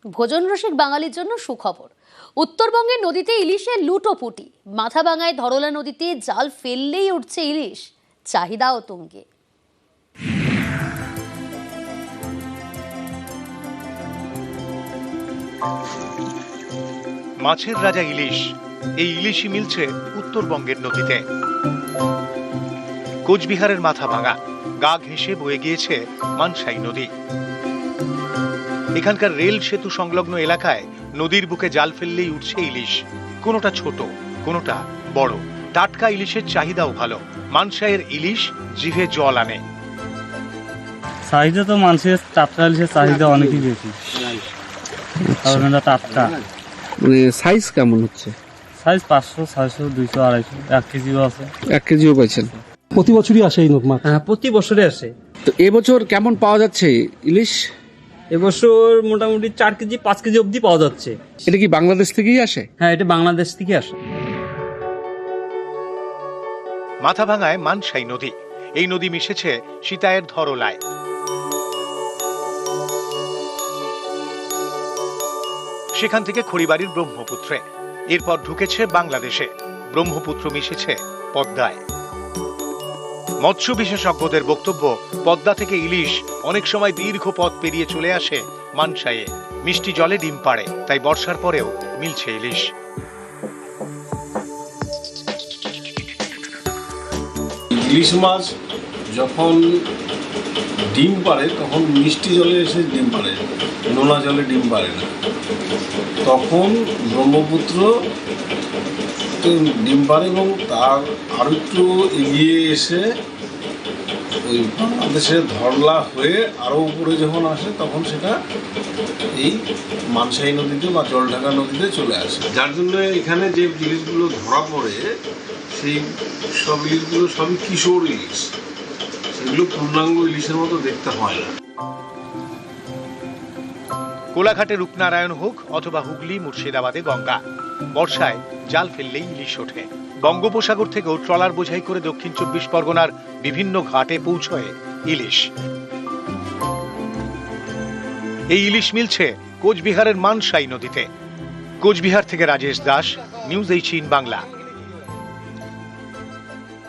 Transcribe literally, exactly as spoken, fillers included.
ভোজন রসিক বাঙালির জন্য সুখবর। উত্তরবঙ্গের নদীতে ইলিশের লুটোপুটি। মাথাভাঙায় ধরলা নদীতে জাল ফেললেই উঠছে ইলিশ, চাহিদাও তুঙ্গে। মাছের রাজা ইলিশ, এই ইলিশই মিলছে উত্তরবঙ্গের নদীতে। কোচবিহারের মাথাভাঙা গা ঘেঁষে বয়ে গিয়েছে মানসাই নদী। এখানকার রেল সেতু সংলগ্ন এলাকায় নদীর বুকে জাল ফেললেই উঠছে ইলিশ। কোনোটা ছোট, কোনোটা বড়। টাটকা ইলিশের চাহিদাও ভালো। মানসাইয়ের ইলিশ জিভে জল আনে। চাহিদা তো মানুষের টাটকা ইলিশের চাহিদা অনেকই বেশি, কারণ এটা টাটকা। মানে সাইজ কেমন হচ্ছে? সাইজ পাঁচশো, ছয়শো, দুইশো, আড়াইশো, এক কেজিও আছে। এক কেজিও পাইছেন? প্রতি বছরই আসে এই মাছ? হ্যাঁ, প্রতি বছরে আসে। তো এবছর কেমন পাওয়া যাচ্ছে ইলিশ? এবছর মোটামুটি চার কেজি পাঁচ কেজি অবধি পাওয়া যাচ্ছে। এটা কি বাংলাদেশ থেকেই আসে? হ্যাঁ, এটা বাংলাদেশ থেকে আসে। মাথাভাঙায় মানসাই নদী। এই নদী মিশেছে সীতায়ের ধরলায়। সেখান থেকে খড়িবাড়ির ব্রহ্মপুত্রে, এরপর ঢুকেছে বাংলাদেশে। ব্রহ্মপুত্র মিশেছে পদ্মায়। মৎস্য বিশেষজ্ঞদের বক্তব্য, পদ্মা থেকে ইলিশ অনেক সময় দীর্ঘ পথ পেরিয়ে চলে আসে মানসাইয়ে। মিষ্টি জলে ডিম পাড়ে, তাই বর্ষার পরেও মিলছে ইলিশ। ইলিশ মাছ যখন ডিম পাড়ে তখন মিষ্টি জলে এসে ডিম পাড়ে, নোনা জলে ডিম পাড়ে না। তখন ব্রহ্মপুত্র ডিম পাড়ে এবং তার আরও একটু এগিয়ে এসে ওই বাংলাদেশের ধরলা হয়ে আরও উপরে যখন আসে তখন সেটা এই মানসাই নদীতে বা জলঢাকা নদীতে চলে আসে। যার জন্য এখানে যে ইলিশগুলো ধরা পড়ে সেই সব ইলিশগুলো সবই কিশোর ইলিশ, সেগুলো পূর্ণাঙ্গ ইলিশের মতো দেখতে হয় না। কোলাঘাটে রূপনারায়ণ হোক অথবা হুগলি মুর্শিদাবাদে গঙ্গা, বর্ষায় জাল ফেললেই ইলিশ ওঠে। বঙ্গোপসাগর থেকেও ট্রলার বোঝাই করে দক্ষিণ চব্বিশ পরগনার বিভিন্ন ঘাটে পৌঁছয় ইলিশ। এই ইলিশ মিলছে কোচবিহারের মানসাই নদীতে। কোচবিহার থেকে রাজেশ দাস, নিউজ এইটিন বাংলা।